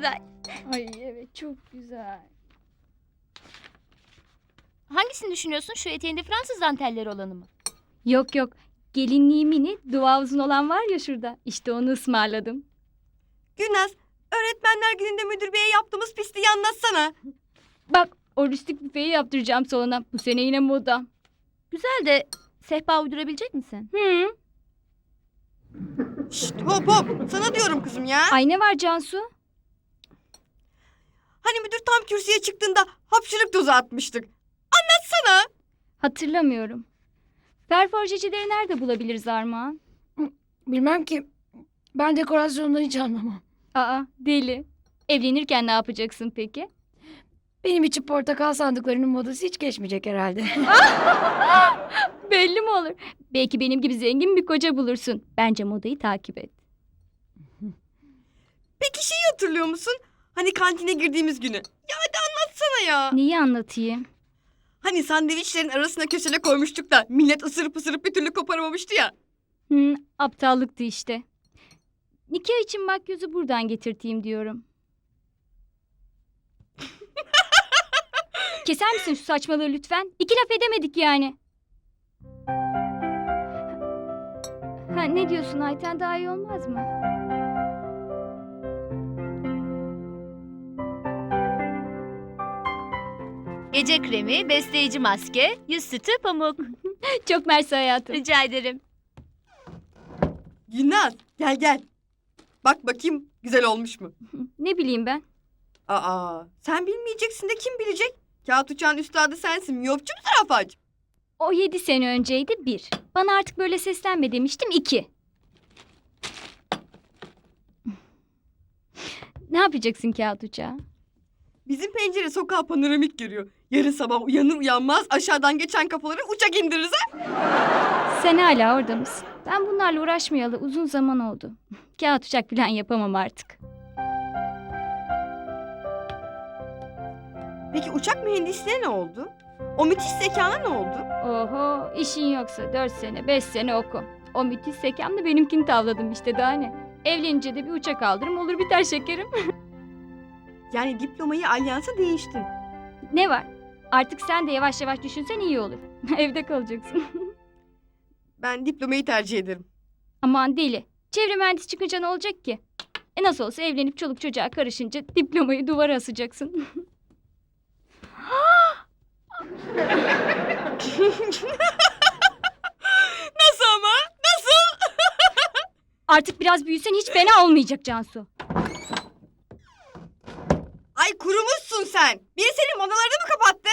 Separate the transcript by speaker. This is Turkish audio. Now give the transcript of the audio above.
Speaker 1: güzel.
Speaker 2: Ay evet çok güzel.
Speaker 1: Hangisini düşünüyorsun? Şu eteğinde Fransız dantelleri olanı mı?
Speaker 2: Yok yok. Gelinliği mini, dua uzun olan var ya şurada. İşte onu ısmarladım.
Speaker 3: Gülnaz, öğretmenler gününde müdür beye yaptığımız pisliği anlatsana.
Speaker 2: Bak o rüstik büfeyi yaptıracağım salona. Bu sene yine moda.
Speaker 1: Güzel de sehpa uydurabilecek misin?
Speaker 2: Hı.
Speaker 3: Şşt hop hop, sana diyorum kızım ya.
Speaker 2: Ay ne var Cansu?
Speaker 3: Hani müdür tam kürsüye çıktığında hapşırık dozu atmıştık. Anlatsana.
Speaker 2: Hatırlamıyorum. Perforjecileri nerede bulabiliriz Armağan?
Speaker 4: Bilmem ki. Ben dekorasyondan hiç anlamam.
Speaker 2: Aa deli. Evlenirken ne yapacaksın peki?
Speaker 4: Benim için portakal sandıklarının modası hiç geçmeyecek herhalde.
Speaker 2: Belli mi olur? Belki benim gibi zengin bir koca bulursun. Bence modayı takip et.
Speaker 3: Peki şeyi hatırlıyor musun? Hani kantine girdiğimiz günü. Ya hadi anlatsana ya.
Speaker 2: Neyi anlatayım?
Speaker 3: Hani sandviçlerin arasına köşele koymuştuk da millet ısırıp ısırıp bir türlü koparamamıştı ya.
Speaker 2: Aptallıktı işte. Nikah için makyözü buradan getirteyim diyorum. Keser misin şu saçmalığı lütfen? İki laf edemedik yani. Ha, ne diyorsun Ayten, daha iyi olmaz mı?
Speaker 1: Gece kremi, besleyici maske, yüz sütü, pamuk.
Speaker 2: Çok mersi hayatım.
Speaker 1: Rica ederim.
Speaker 3: Gülnaz gel gel. Bak bakayım güzel olmuş mu?
Speaker 2: Ne bileyim ben.
Speaker 3: Aa sen bilmeyeceksin de kim bilecek? Kağıt uçağın üstadı sensin. Miyopçu mu zarafaç?
Speaker 2: O 7 sene önceydi 1. Bana artık böyle seslenme demiştim 2. Ne yapacaksın kağıt uçağı?
Speaker 3: Bizim pencere sokağa panoramik görüyor. Yarın sabah uyanır uyanmaz aşağıdan geçen kafaları uçak indiririz ha?
Speaker 2: Sen hala orada mısın? Ben bunlarla uğraşmayalı uzun zaman oldu. Kağıt uçak falan yapamam artık.
Speaker 3: Peki uçak mühendisliğine ne oldu? O müthiş zekana ne oldu?
Speaker 2: Oho, işin yoksa 4 sene 5 sene oku. O müthiş zekamla benimkini tavladım işte, daha ne? Evlenince de bir uçak aldırım olur biter şekerim.
Speaker 3: Yani diplomayı alyansa değiştin.
Speaker 2: Ne var? Artık sen de yavaş yavaş düşünsen iyi olur. Evde kalacaksın.
Speaker 3: Ben diplomayı tercih ederim.
Speaker 2: Aman deli. Çevre mühendisi çıkınca ne olacak ki? Nasıl olsa evlenip çoluk çocuğa karışınca diplomayı duvara asacaksın.
Speaker 3: Nasıl ama? Nasıl?
Speaker 2: Artık biraz büyüsen hiç fena olmayacak Cansu.
Speaker 3: Ay kurumuşsun sen. Biri senin manalarını mı kapattı?